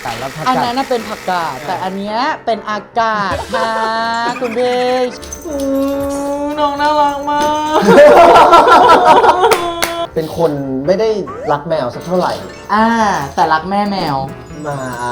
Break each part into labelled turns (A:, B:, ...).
A: กาศแล้วผัก
B: อัน
A: กาด
B: นั้นน่ะเป็นผักกาดแต่อันเนี้ยเป็นอากาศค่ะคุณพี่น้องน่ารักมาก
A: เป็นคนไม่ได้รักแมวสักเท่าไหร่
B: แต่รักแม่แมว
A: มา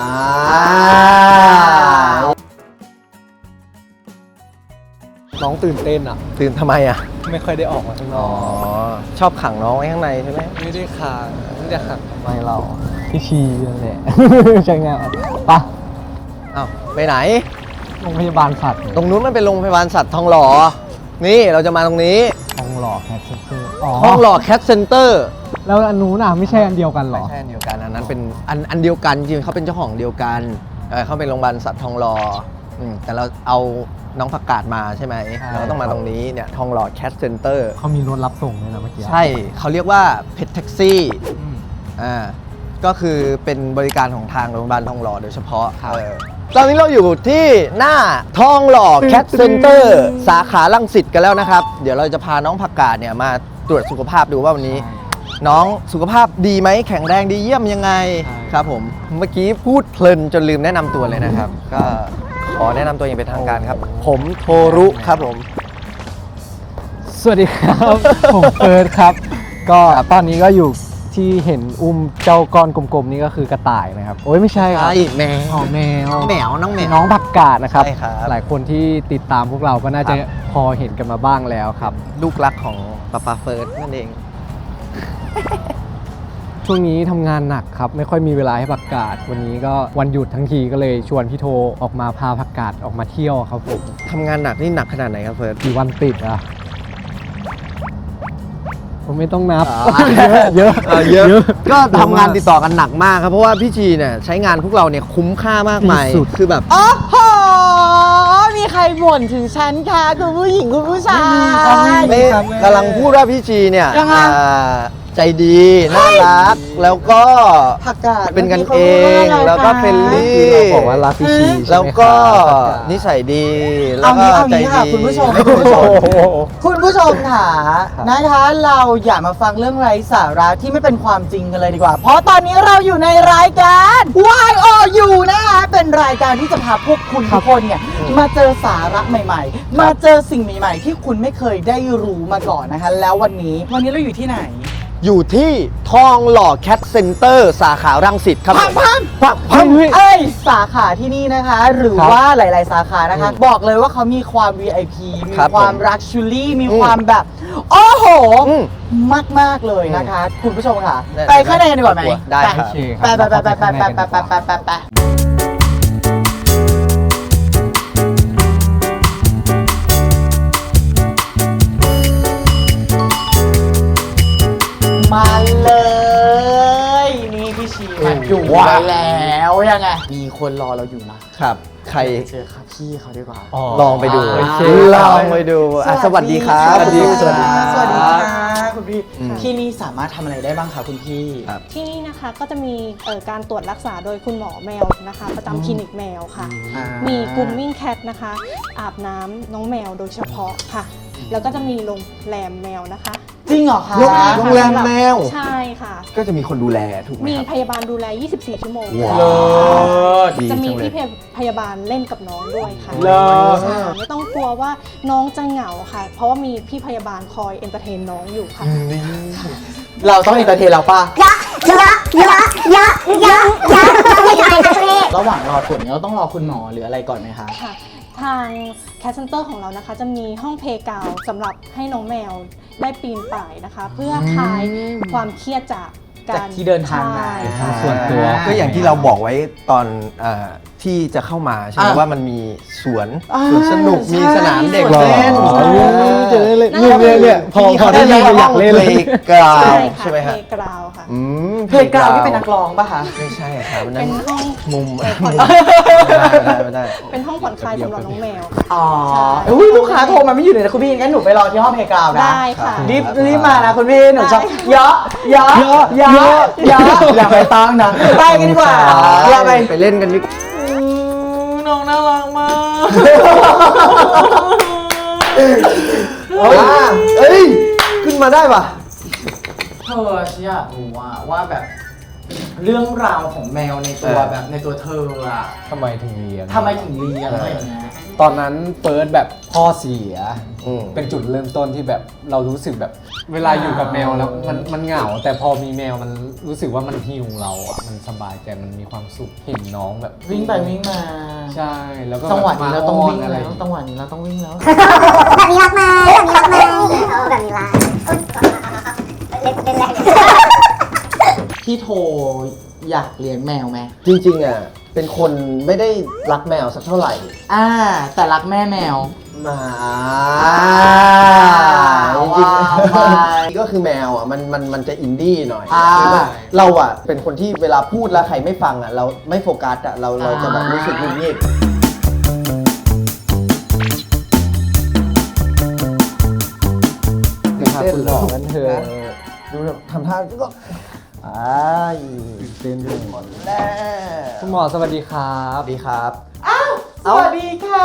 C: น้องตื่นเต้นอ่ะ
A: ตื่นทำไมอ่ะ
C: ไม่ค่อยได้ออกมาข้างน
A: อ๋
C: อ
A: อก ชอบขังน้องไว้ข้างในใช่ไหม
C: ไม่ได้คางไม่ได้ขัง
A: ไม่เรา
C: พี่ชีนั่นแหละ ใช่ไงปะ
A: อ้าวไปไหน
C: โรงพยาบาลสัตว์
A: ตรงนู้นมันเป็นโรงพยาบาลสัตว์ทองหล่อ นี่เราจะมาตรงนี้
C: ทองหล่อแคทเซ็นเตอร์อ๋อ
A: ทองหล่อแคทเซ็นเตอร์
C: แล้วอันนู้นอ่ะไม่ใช่อันเดียวกันเหร
A: ไม่
C: อ
A: ใช่อันเดียวกันอันนั้นเป็นอันเดียวกันจริงๆเขาเป็นเจ้าของเดียวกันเขาเป็นโรงพยาบาลสัตว์ทองหล่อแต่เราเอาน้องผักกาดมาใช่ไหม
C: ใช่
A: เราก็ต้องมาตรงนี้เนี่ยทองหล่อแคทเซ็นเตอร์
C: เขามีรถรับส่งด้วยนะเมื่อกี้
A: ใช่เขาเรียกว่าเพจแท็กซี่
C: อืม
A: ก็คือเป็นบริการของทางโรงพยาบาลทองหล่อโดยเฉพาะ
C: ครับ
A: ตอนนี้เราอยู่ที่หน้าทองหล่อแคทเซ็นเตอร์สาขารังสิตกันแล้วนะครับ เดี๋ยวเราจะพาน้องผักกาดเนี่ยมาตรวจสุขภาพดูว่าวันนี้ น้องสุขภาพดีไหมแข็งแรงดีเยี่ยมยังไงครับผมเมื่อกี้พูดเพลินจนลืมแนะนำตัวเลยนะครับ ก็ขอแนะนำตัวอย่างเป็นทางการครับ ผมโทรุครับผม
C: สวัสดีครับ ผมเฟิร์สครับ ก็ตอนนี้ก็อยู่ที่เห็นอุ้มเจ้าก้อนกลมๆนี่ก็คือกระต่ายนะครับ โอ้ยไม่ใช่ครับ
A: ใช่แมว
C: อ๋อแมว
A: น้องแมวน้องแมว
C: น้องผักกาดนะครับ
A: ใช่ครับ
C: หลายคนที่ติดตามพวกเราก็น่าจะ
A: ครับ
C: พอเห็นกันมาบ้างแล้วครับ
A: ลูกรักของป้าเฟิร์สนั่นเอง
C: ช่วงนี้ทำงานหนักครับ ไม่ค่อยมีเวลาให้ผักกาดวันนี้ก็วันหยุดทั้งทีก็เลยชวนพี่โทออกมาพาผักกาดออกมาเที่ยวครับผม
A: ทำงานหนักนี่หนักขนาดไหนครับเฟิร์ส
C: กี่วันติดอ่ะผมไม่ต้องนับ
A: อ๋อ
C: เยอะ
A: เยอะก็ทำงานติดต่อกันหนักมากครับเพราะว่าพี่ชีเนี่ยใช้งานพวกเราเนี่ยคุ้มค่ามากมาย
C: ที่สุด
A: คือแบบ
B: โอ้โห มีใครบ่นถึงฉันคะคุณผู้หญิงคุณผู้ชาย
A: ไม่กำลังพูดว่าพี่ชีเนี่ย
B: ยังไง
A: ใจดีน่ารักแล้วก็
B: ผักกาด
A: เป็นกันเองแล้วก็เฟรนลี่
C: เราบอกว่ารักพี่ชีใช่ไหม
A: แล้วก็
C: ครับ
A: นิสัยดีแล้
B: เอา
A: วก็
B: งี้เอา
A: ใจ
B: งี้ค่ะ
A: ดี
B: คุณผู้ชม
A: คุณผู้ชม
B: คุณผู้ชมค่ะนะคะ เราอย่ามาฟังเรื่องไร้สาระที่ไม่เป็นความจริงกันเลยดีกว่า เพราะตอนนี้เราอยู่ในรายการ YOU นะคะเป็นรายการที่จะพาพวกคุณทุกคนเนี่ยมาเจอสาระใหม่ๆ มาเจอสิ่งใหม่ๆ ที่คุณไม่เคยได้รู้มาก่อนนะคะ แล้ววันนี้เราอยู่ที่ไหน
A: อยู่ที่ทองหล่อแคทเซ็นเตอร์สาขารังสิตครับ
B: พัง
A: พัง
B: เอ้ยสาขาที่นี่นะคะ หรือ
C: ครับ
B: ว่าหลาย ๆ สาขานะคะ บอกเลยว่าเขามีความ VIP มี
A: ครับ
B: ความ
A: ผม
B: รักชูรี่มี
A: อืม
B: ความแบบ โอ้โห
A: อืม
B: มาก ๆ เลยนะคะ คุณผู้ชมค่ะ
A: ได้
B: ไปข้างในกันดีกว่าไหม
A: ได้
B: ไป
A: ครับ
C: โอเคค
B: ไป
C: รับ
B: ไปมาเลย นี่พี่ชีมาอยู่
A: ว้าว
B: ไว้แล้วยังไง มีคนรอเราอยู่นะ
A: ครับ ใคร
B: เจอครับพี่เขาดีกว่า
C: อ๋อ
A: ลองไปดู
B: โอเค
A: ลองไปดูสวัสดีครับ
B: สวัสดี
A: สวัสดีครับ
B: สวัสดีค่ะคุณพี่
A: อืม
B: ที่นี่สามารถทำอะไรได้บ้างคะคุณพี่
A: ครับ
D: ที่นี่นะคะก็จะมีการตรวจรักษาโดยคุณหมอแมวนะคะ ประจำคลินิกแมวค่ะ มีก r ุ o มมิ่งแคทนะคะ อาบน้ำน้องแมวโดยเฉพาะค่ะ แล้วก็จะมีโรงแรมแมวนะคะ
B: จริงเหรอคะ
A: โรงแรมแมว
D: ใช่ค่ะ
A: ก็จะมีคนดูแลถูกไหม
D: มี
A: ครับ
D: พยาบาลดูแล 24 ชั่วโมง
A: ว้าว
B: เลิศ
A: ดี
D: จะมี
A: จังเลย
D: พี่พยาบาลเล่นกับน้องด้วยค่ะ
B: เลิศ
D: ใช่ไม่ต้องกลัวว่าน้องจะเหงาค่ะ เพราะว่ามีพี่พยาบาลคอยเอนเตอร์เทนน้องอยู่ค่ะ
B: เราต้องเอนเตอร์เทนเราป่ะ ระหว่างรอผลเราต้องรอคุณหมอหรืออะไรก่อนไหมคะ
D: ค่ะทางแคสเซนเตอร์ของเรานะคะจะมีห้องเพลย์กราวด์สำหรับให้น้องแมวได้ปีนป่ายนะคะ เพื่อคลายความเครียดจากกา
B: จากที่เดินทางมา
D: ใช่ค่ะ
C: ส่วนตัว
A: ก็อย่างที่เราบอกไว้ตอนที่จะเข้ามาใช่ไหม
B: อ่ะ
A: ว่ามันมีสวน
B: อ่า
A: สวนสนุกมี
B: ใช่
A: สนามเด็ก
B: สวน
A: เล่น
B: ใช่
C: จะได้เล่นเนี่ยพอได้ยินก็อยากเล่นเลย
A: กราว
D: ใช่
A: ใช่ไหม
D: ค่ะ
A: ฮะ
D: เพลย์กราวด์ค่ะ
B: เพลงกราวที่เป็นนักร้องป่ะคะ
A: ไม่ใช่ครับนั่
D: เป็น นห้อง
A: มุม
D: ผ่อน
A: ไม่ได้
D: เป็นห้องผ่อนคลายสำหรับน้องแมว
B: อ๋ออุ้ยลูกค้าโทรมาไม่อยู่เลยนะคุณพี่งั้นหนูไปรอที่ห้องเพลงกราวนะ
D: ได้ค่ะ
B: รีบมานะคุณพี่หนูชอบ
D: ได้
B: เยอะอย่าไปตั้งนะไปกันดีกว่าอย่าไป
A: ไปเล่นกันดิ
B: น้องน่ารักมาก
A: เอ้ยขึ้นมาได้ป่ะ
B: เธอฉันอยากรู้ว่าแบบเรื่องราวของแมวในตัวแบบในตัวเธออะ
C: ทำไมถึงเลี้ยง
B: ทำไมถึงเลี้ยงอะไรอย่างเงี้ย
C: ตอนนั้นเฟิร์สแบบพ่อเสีย
A: อืม
C: เป็นจุดเริ่มต้นที่แบบเรารู้สึกแบบเวลาอยู่กับแมวแล้วมันเหงา แต่พอมีแมวมันรู้สึกว่ามันฮิวเราอ่ะมันสบายใจมันมีความสุขเห็นน้องแบบ
B: วิ่งไปวิ่งมา
C: ใช่แล้วก็
B: จังหวะนี้เราต้องวิ่ง
C: อะไร
B: แล้วจังหวะนี้เราต้องวิ่งแล้ว
E: แบบนี้รักไหมแบบนี้รักไหมแบบนี้รักเล่นแรก
B: พี่โทอยากเลี้ยงแมวไหม
A: จริงๆอ่ะเป็นคนไม่ได้รักแมวสักเท่าไหร่
B: แต่รักแม่แมว
A: มาจ
B: ว้าว
A: ริง
B: ว้าว
A: ๆก็คือแมวอ่ะมันจะอินดี้หน่อย
B: อ่า
A: คือว่าเราอ่ะเป็นคนที่เวลาพูดแล้วใครไม่ฟังอ่ะเราไม่โฟกัสอ่ะเราจะแบบรู้สึกหงุดหงิด
C: พาคุณหมอกันเถอะ
A: ดูทำท่าก็
C: ตื่นเต้น
A: หมดแล้ว
C: คุณหมอสวัสดีครับ
A: สวัสดีครับ
B: สวัสดีค่ะ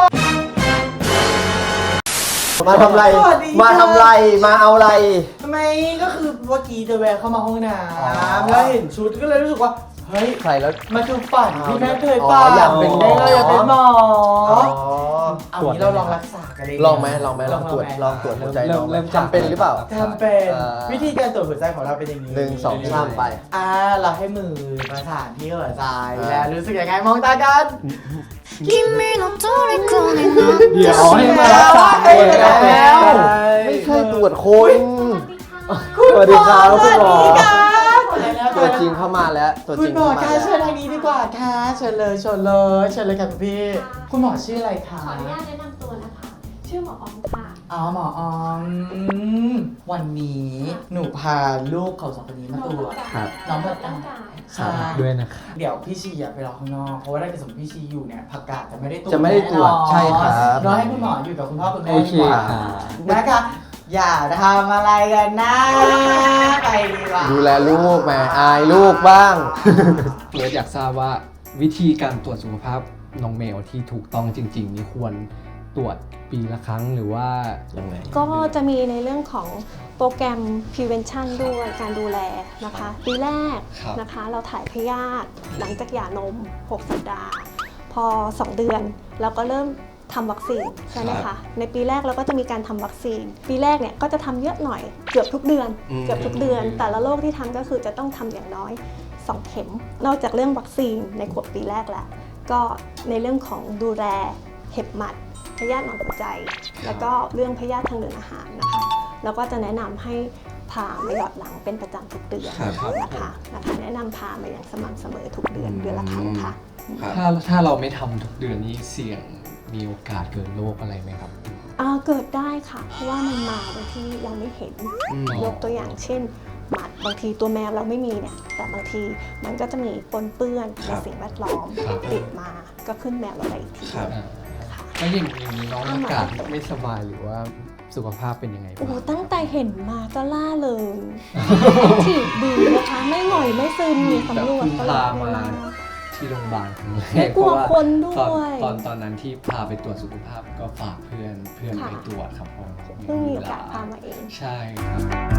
A: มาทำไร
B: สวัสดีค่ะ
A: มาทำไรมาเอาอะไร
B: ทำไมก็คือเมื่อกี้จะแวะเข้ามาห้องน้ำแล้วเห็นชุดก็เลยรู้สึกว่าเฮ้ย
A: ใส่แล้ว
B: มันคือฝันที่แม่เคย
A: อ๋อ
B: ฝัน
A: อยากเป็นหมอ
B: อยากเป็นหมอ
A: อ๋อ
B: เอางี้เราลองรักษากันเลย
A: ลองไหมลองตรวจหัวใจน้องไหมทำเป็นหรือเปล่า
B: ทำเป็น
A: อ่า
B: วิธีการตรวจหัวใจของเราเป็นอย่างนี้
A: หนึ่งสองสามไป
B: เราให้มือประสานที่หัวใจ
A: อ่า
B: แล้วรู้สึกยังไงมองตากัน
E: 君の虜になって
C: เดี๋ยวให้มา
B: แล้
C: รักษา
B: ให้
C: เลย
B: แล้ว
A: ไม่ใช่ตรวจคน
C: สวัสดีครับคุณหมอ
A: ตัวจริงเข้ามาแล้วตัว
B: คุ
A: จ
B: ณ
A: ริง
B: หมอ
A: เข้ามา
B: คะ
A: แล้ว
B: เชิญทางนี้ดีกว่าค่ะเชิญเลยค่ะคุณพี่ คุณหมอชื่ออะไรคะ
F: ขออนุญาตแนะนำตัวนะคะ ชื่อหมอออมค่ะ
B: อ๋อหมอออมวันนี้หนูพาลูกเขาสองคนนี้มาตรวจ
C: ครับ
B: น้องผัก
F: ร่าก
B: าง ด
F: กาย
B: ใช่
C: ด้วยนะครับ
B: เดี๋ยวพี่ชีไปรอข้างนอกเพราะว่าถ้าเกิดสมมติพี่ชีอยู่เนี่ยผักกาดจะไม่ได้ตรวจ
A: จะไม่ได้ตรวจ
B: แน่นอน
A: ใช่ครับ
B: รอให้คุณหมออยู่กับคุณพ่อคุณแม่
C: โอเค
B: ดีกว่า
C: ครับ
B: นะคะอย่าทำอะไรกันนะไปดีกว่า
A: ดูแลลูกแม่อายลูกบ้าง
C: เฟิร์สอยากทราบว่าวิธีการตรวจสุขภาพน้องแมวที่ถูกต้องจริงๆนี่ควรตรวจปีละครั้งหรือว่า
A: ยังไง
D: ก็จะมีในเรื่องของโปรแกรม prevention ด้วยการดูแลนะคะ ปีแรก
C: ครับ
D: นะคะเราถ่ายพยาธิหลังจากหย่านม 6 สัปดาห์ พอ 2 เดือนเราก็เริ่มทำวัคซีนใช่ไหมคะ ในปีแรกเราก็จะมีการทำวัคซีน ปีแรกเนี่ยก็จะทำเยอะหน่อยเกือบทุกเดือน เกือบทุกเดือน แต่ละโรคที่ทำก็คือจะต้องทำอย่างน้อย 2 เข็ม นอกจากเรื่องวัคซีนในขวบปีแรกแล้ว ก็ในเรื่องของดูแลเห็บหมัด พยาธิหนอนหัวใจ แล้วก็เรื่องพยาธิทางเดินอาหารนะคะแล้วก็จะแนะนำให้พามาหยอดหลังเป็นประจำทุกเดือน
C: ครับ
D: นะคะแนะนำพามาอย่างสม่ำเสมอทุกเดือนเดือนละครั้งค่ะ
C: ถ้าเราไม่ทำทุกเดือนนี้เสี่ยงมีโอกาสเกิดโรคอะไรไหมครับ
D: เกิดได้ค่ะ เพราะว่ามันมาโดยที่เราไม่เห็น ยกตัวอย่างเช่น หมัดบางทีตัวแมวเราไม่มีเนี่ย แต่บางทีมันก็จะมีปนเปื้อนในสิ่งแวดล้อม
C: ครับ
D: ติดมาก็ขึ้นแมวเราได้อีกที
C: อ่า
D: ค่ะ
C: แล้วอย่างนี้น้องอากาศไม่สบายหรือว่าสุขภาพเป็นยังไง
D: โอ้
C: บ้าง
D: ตั้งแต่เห็นมาก็ล่าเลยถีบดีนะคะ ไม่หน่อยไม่ซึมมีสำรวจตลอดเวลา
C: ที่โรงพยาบาลครั้งแร
D: ไม่
C: ก
D: กลัว
C: เพราะา
D: คนด้วย
C: ตอนนั้นที่พาไปตรวจสุขภาพก็ฝากเพื่อนไปตรวจครับผม
D: เพิ่งมีโอกาสพามาเอง
C: ใช่ครับ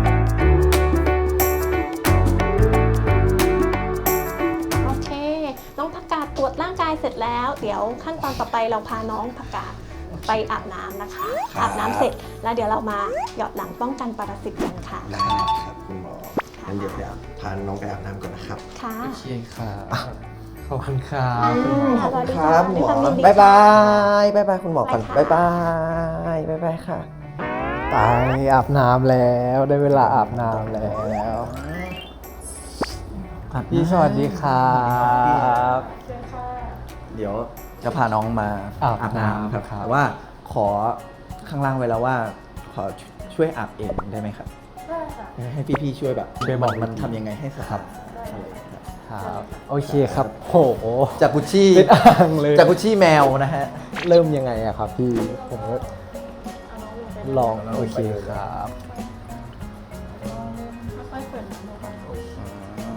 D: โอเค น้องผักกาดตรวจร่างกายเสร็จแล้ว เดี๋ยวขั้นตอนต่อไปเราพาน้องผักกาดไปอาบน้ำนะคะ อาบน้ำเสร็จแล้วเดี๋ยวเรามาหยอดหลังป้องกันปรสิตกันค่ะ
A: ได้ครับคุณหมองั้นเดี๋ยวพาน้องไปอาบน้ำก่อนนะครับ
D: ค่ะ
C: โอเคครับขอบคุณครับ
A: ขอบคุณครับ
D: สวัส
A: ห
D: ดี
A: มอ
D: ค่ะด้วยความยินดี
A: บ๊ายบา
D: ค่ะ
A: ยบ๊ายบายคุณหมอก่อน
D: บ๊า
A: บ๊าย
D: ย
A: บา
D: บาย
A: ยบ๊ายบายค่ะ
C: ไปอาบน้ำแล้วได้เวลาอาบน้ำแล้วพี่สวัสดีครับ
A: เดี๋ยวจะพาน้องมา
C: อาบน้ำ
A: ครับ
C: ครับ
A: แต่ว่าขอข้างล่างไว้แล้วว่า ขอช่วยอาบเองได้ไหมครับ
F: ได้ค่ะ
A: ให้พี่ๆช่วยแบบ
C: ช่วยบอก
A: มันทำยังไงให้สะอาด
C: ครับโอเคครับโห
A: จากกุชชี่
C: เป็นอ่างเลย
A: จากกุชชี่แมวนะฮะ
C: เริ่มยังไงอะครับพี่ผมก็ลองโอเคครับ
F: ค่อยๆเปิดน้ำเลยค่ะ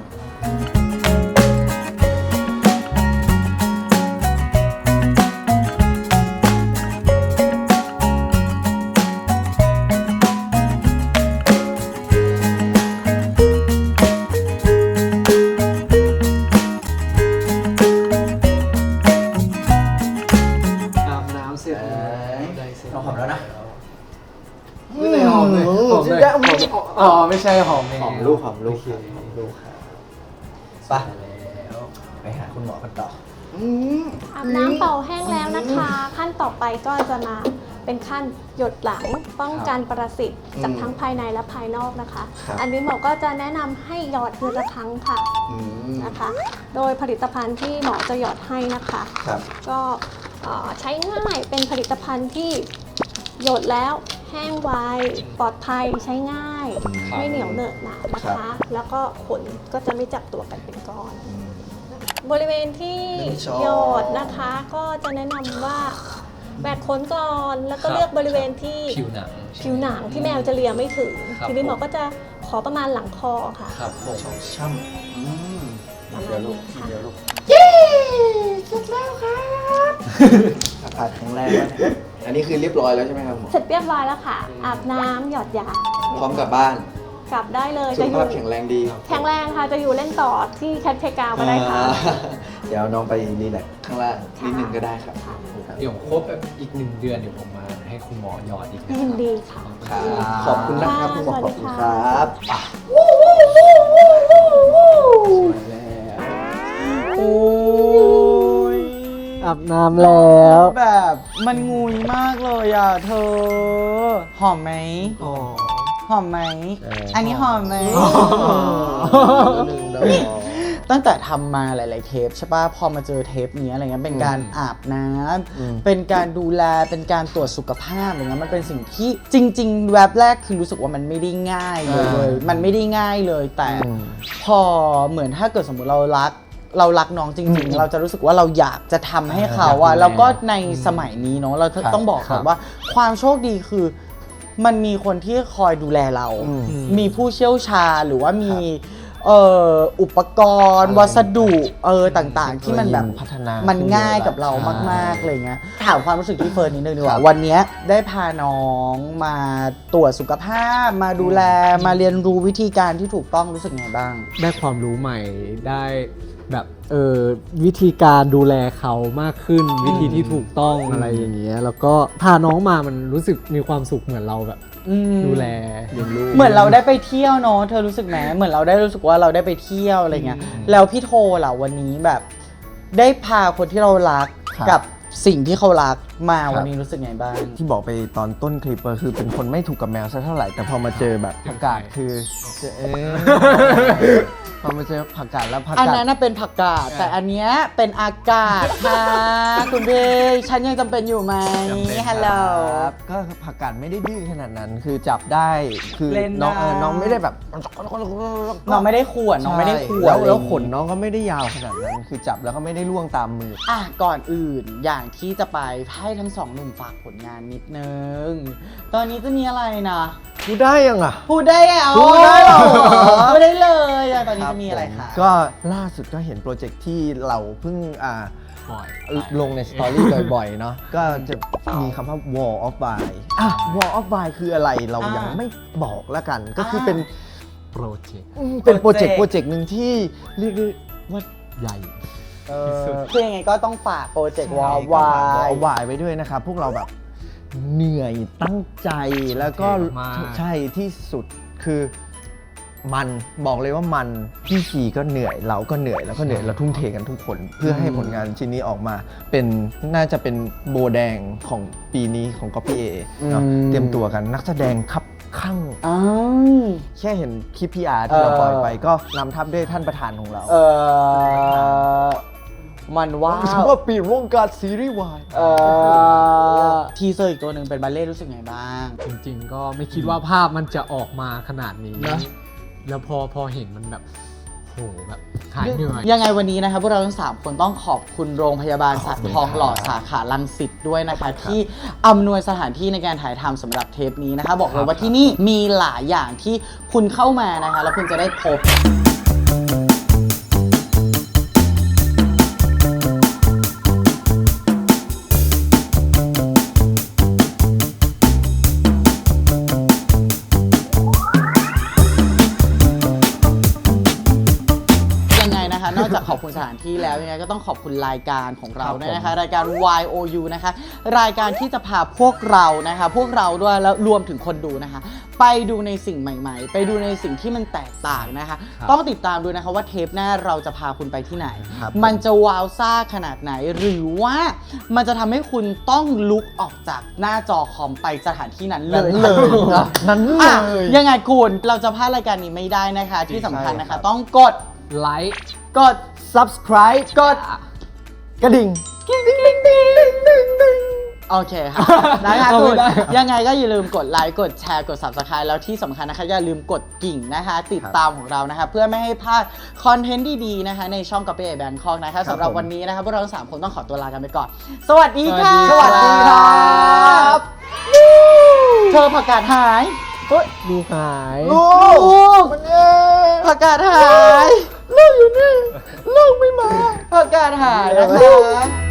A: เ
C: อ๋อไม่ใช่หอมแมว
A: หอมลูกครับหอมลูกครับไปไปหาคุณหมอกันต่อ
D: อาบน้ำเป่าแห้งแล้วนะคะ ขั้นต่อไปก็จะมาเป็นขั้นหยดหลังป้องกันปรสิตจากทั้งภายในและภายนอกนะคะ
A: ครับ
D: อันนี้หมอก็จะแนะนำให้หยอดเดือนละครั้งค่ะนะคะ โดยผลิตภัณฑ์ที่หมอจะหยอดให้นะคะ
A: ครับ
D: ก็ใช้ง่ายเป็นผลิตภัณฑ์ที่หยดแล้วแห้งไวปลอดภัยใช้ง่าย ไม่เหนียวเหนอะหนะนะ
A: ครั
D: คะ
A: บ
D: แล้วก็ขนก็จะไม่จับตัวกันเป็นก้อน บริเวณที่
A: ไม่ชอบ
D: หยดนะคะ ก็จะแนะนำว่าแหวกขนก่อนแล้วก็เลือกบริเวณที่
C: ผิวหนัง
D: ผิวหนังที่แมวจะเลียไม่ถึง
C: ครับ
D: ทีนี้หมอก็จะขอประมาณหลังคอค่ะ
C: ครับผม
A: ช่ำเดี๋ยวลูกเดี๋ยวลูก อากาศแข็งแรงแล้วเนี่ยอันนี้คือเรียบร้อยแล้วใช่ไหมครับหมอ
D: เสร็จเรียบร้อยแล้วค่ะ อาบน้ำหยอดยา
A: พร้อมกลับบ้าน
D: กลับได้เลย
A: สุ
D: จะ
A: ข
D: อยู่
A: ภาพแข็งแรงดี
D: แข็งแรงค่ะจะอยู่เล่นต่อที่แคทเพกาก็ได้ค่ะ
A: เดี๋ยวน้องไปรีแลกซ์ข้างล่างนิดนึงก็ได้ครับ
C: เดี๋ยวครบแบบอีก1 เดือนเดี๋ยวผมมาให้คุณหมอหยอดอีกนะ
D: ยินดีค่ะ
A: ครับขอบคุณนะครับคุณหมอ
D: ส
A: ข
D: วั
A: อ
D: ส
A: บ
D: ดี
A: คุณ
D: ค่ะ
A: ครับ
B: โอ้ย
C: อาบน้ำแล้ว
B: แบบมันงุยมากเลยอ่ะเธอ หอมไหม หอมไหม อันนี้หอมไหม ตั้งแต่ทำมาหลาย ๆ เทปใช่ป่ะ พอมาเจอเทปนี้อะไรเงี้ย เป็นการอาบน้ำ เป็นการดูแล เป็นการตรวจสุขภาพอะไรเงี้ย มันเป็นสิ่งที่จริง ๆ แวบแรกคือรู้สึกว่ามันไม่ได้ง่ายเลย มันไม่ได้ง่ายเลย แต่พอเหมือนถ้าเกิดสมมติเรารักน้องจริง ๆ เราจะรู้สึกว่าเราอยากจะทำให้เขาอะแล้วก็ในสมัยนี้เนาะ เราต้องบอกก่อนว่าความโชคดีคือ มันมีคนที่คอยดูแลเรา มีผู้เชี่ยวชาญหรือว่ามีอุปกรณ์ วัสดุต่างๆ ที่มันแบบ
A: พัฒนา
B: มัน
A: ขึ้น
B: ง่าย
A: เยอะ
B: กับเรา
A: ใช่
B: มากๆอะไรเงี้ยถามความรู้สึกที่เฟิร์นนิดนึงดีก
A: ครั
B: ว่า
A: บ
B: วันเนี้ยได้พาน้องมาตรวจสุขภาพ มาดูแลมาเรียนรู้วิธีการที่ถูกต้องรู้สึกไงบ้าง
C: ได้ความรู้ใหม่ได้แบบวิธีการดูแลเขามากขึ้น วิธีที่ถูกต้องอะไรอย่างเงี้ยแล้วก็พาน้องมามันรู้สึกมีความสุขเหมือนเราแบบดูแลเลี้ยงลูก
B: เหมือนเราได้ไปเที่ยวเนาะเธอรู้สึกไหมเหมือนเราได้รู้สึกว่าเราได้ไปเที่ยวอะไรเงี้ยแล้วพี่โทล่ะวันนี้แบบ ได้พาคนที่เรารัก
A: ครับ
B: กับสิ่งที่เขารักมา
A: ครับ
B: วันนี้รู้สึกไงบ้าง
A: ที่บอกไปตอนต้นคลิปก็คือเป็นคนไม่ถูกกับแมวสักเท่าไหร่ แต่พอมาเจอแบบผักกาดคือเจอพอมาเจอผักกาดแล้วผัก
B: อัน
A: กาด
B: นั้นน่ะเป็นผักกาดแต่อันเนี้ยเป็นอากาศค่ะ คุณพี่ฉันยังจำเป็นอยู่ไหมฮัลโหล
A: ครับก็ผักกาดไม่ได้ดื้อขนาดนั้น คือจับได้คือ
B: เล่น
A: น้อง
B: ได้
A: น้องไม่ได้แบบ
B: น้องไม่ได้ขวนน้องไม่ได้ขวน
A: แล้วขนน้องก็ไม่ได้ยาวขนาดนั้น คือจับแล้วก็ไม่ได้ล่วงตามมือ
B: อ่ะก่อนอื่นอย่างที่จะไปให้ทั้งสองหนุ่มฝากผลงานนิดนึง ตอนนี้จะมีอะไรนะ
A: พูดได้ยังอ่ะ
B: พูดได้เหรอ
A: พูดได้เหรอ
B: พูดได้เลยอ่ะตอนนี้จะมีอะไรคะ
A: ก็ล่าสุดก็เห็นโปรเจกต์ที่เราเพิ่ง
C: บ่อย
A: ลงในสตอรี่บ่อยๆ เนาะก็จะมีคำว่า Wall of Wine Wall of Wine คืออะไรเรายังไม่บอกแล้วกัน ก็คือเป็น
C: โปรเจกต์
A: เป็นโปรเจกต์หนึ่งที่เรียกได้ว่า
C: ใหญ่
B: คือยังไงก็ต้องฝากโปรเจกต์วอลวา
A: Wall of Wine ไว้ด้วยนะครับ พวกเราแบบเหนื่อยตั้งใจแล้วก็
C: มาก
A: ใช่ที่สุดคือมันบอกเลยว่ามันพี่ชีก็เหนื่อยเราก็เหนื่อยแล้วก็เหนื่อยเราทุ่มเทกันทุกคน เพื่อให้ผลงานชิ้นนี้ออกมาเป็นน่าจะเป็นโบแดงของปีนี้ของ Copy A เนาะเตรียมตัวกันนักแสดงครับข้าง
B: อ้าว
A: แค่เห็นคลิป PR ที่เราปล่อยไปก็นำทัพด้วยท่านประธานของเรา
B: มันว้า
A: ถือ
B: ว
A: ว่าปีวงการซีรีส์วาย
B: ทีเซอร์อีกตัวหนึ่งเป็นบัลเล่ต์รู้สึกไงบ้าง
C: จริงๆ ก็ไม่คิดว่าภาพมันจะออกมาขนาดนี้
A: นะ
C: แล้วพอเห็นมันแบบโหแบบหายเหนื่อย
B: ยังไงวันนี้นะคะพวกเราทั้ง3คนต้องขอบคุณโรงพยาบาลสัตว์ทองหล่อสาขารังสิตด้วยนะคะ ที่อำนวยสถานที่ในการถ่ายทำสำหรับเทปนี้นะคะ บอกเลยว่าที่นี่มีหลายอย่างที่คุณเข้ามานะคะ แล้วคุณจะได้พบ ยังไงนะคะ นอกจากขอบคุณสถานที่แล้วยังไงก็ต้องขอบคุณรายการของเราด้วยนะคะรายการ YOU นะคะรายการที่จะพาพวกเรานะคะพวกเราด้วยแล้วรวมถึงคนดูนะคะไปดูในสิ่งใหม่ๆ ไปดูในสิ่งที่มันแตกต่างนะคะต้องติดตามดูนะคะว่าเทปหน้าเราจะพาคุณไปที่ไหน มันจะว้าวซ่าขนาดไหนหรือว่ามันจะทำให้คุณต้องลุกออกจากหน้าจอคอมไปสถานที่นั้นเลย
A: นั้นเล
B: อ่ะ
A: ย
B: ยังไงคุณเราจะพลาดรายการนี้ไม่ได้นะคะ ที่สำคัญนะคะ ต้องกด
C: ไลค์
B: กด
A: subscribe
B: กด
A: กระดิ่ง
B: โอเคค่ะนะคะคุณยังไงก็อย่าลืมกดไลค์กดแชร์กด subscribe แล้วที่สำคัญนะคะอย่าลืมกดกิ่งนะคะ ติดตามของเรานะคะ เพื่อไม่ให้พลาดคอนเทนต์ดีๆนะคะในช่อง Copy Bangkok นะคะสำหรับวันนี้นะคะพวกเราทั้ง3คนต้องขอตัวลากันไปก่อน สวัสดีค่ะ
A: สวัสดีครับ
B: เธอผักกาดหาย
C: ดูหาย
A: ลูกมันเอง
B: ผักกาดหาย
A: ลูกอยู่นี่ลูกไม่มา
B: ผักกาดหายนะคะ